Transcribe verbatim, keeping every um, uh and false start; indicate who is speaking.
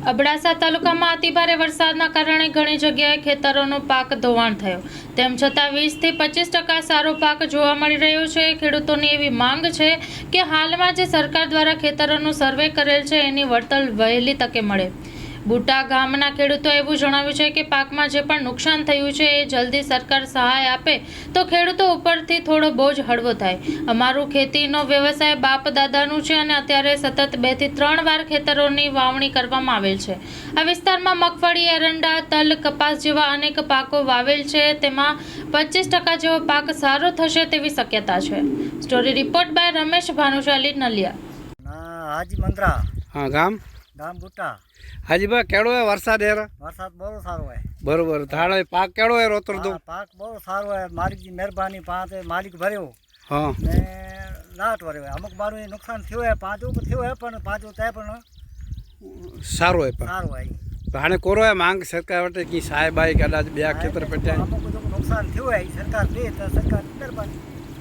Speaker 1: અબડાસા તાલુકામાં અતિભારે વરસાદના કારણે ઘણી જગ્યાએ ખેતરોનો પાક ધોવાણ થયો, તેમ છતાં વીસ થી પચીસ ટકા સારો પાક જોવા મળી રહ્યો છે। ખેડૂતોની એવી માંગ છે કે હાલમાં જે સરકાર દ્વારા ખેતરોનું સર્વે કરેલ છે એની વળતર વહેલી તકે મળે। બુટા ગામના ખેડૂતોએ એવું જણાવ્યું છે કે પાકમાં જે પણ નુકસાન થયું છે એ જલ્દી સરકાર સહાય આપે તો ખેડૂતો ઉપરથી થોડો બોજ હળવો થાય। અમારું ખેતીનો વ્યવસાય બાપ દાદાનું છે અને અત્યારે સતત બે થી ત્રણ વાર ખેતરોની વાવણી કરવામાં આવેલ છે। આ વિસ્તારમાં મગફળી, એરંડા, તલ, કપાસ જેવા અનેક પાકો વાવેલ છે, તેમાં પચીસ ટકા જેવો પાક સારો થશે તેવી શક્યતા છે। Story report by Ramesh Bhanushali, Naliya.
Speaker 2: Haji Mandra
Speaker 3: हाँ गाम
Speaker 2: ગામ બુટ્ટા।
Speaker 3: हाजी भाई केड़ो है वरसाद है
Speaker 2: વરસાદ બહુ સારો હોય।
Speaker 3: बरोबर थाड़ा पाक केड़ो है रोतर दो
Speaker 2: હા, પાક બહુ સારો હોય। માલિકની મહેરબાની પાંચ માલિક ભર્યો
Speaker 3: हाँ
Speaker 2: ને લાટ ભર્યો હોય। અમુક મારું નુકસાન થયું હોય, પાંચું થયું હોય પણ પાંચું ત્યાં પણ
Speaker 3: सारो है पर
Speaker 2: સારું હોય।
Speaker 3: हाणे कोरो है मांग सरकार वटे की साहेब आई कदाच बया खेतर पट्या
Speaker 2: અમુક બધું નુકસાન થયું હોય, સરકાર દે તો સરકાર મહેરબાની।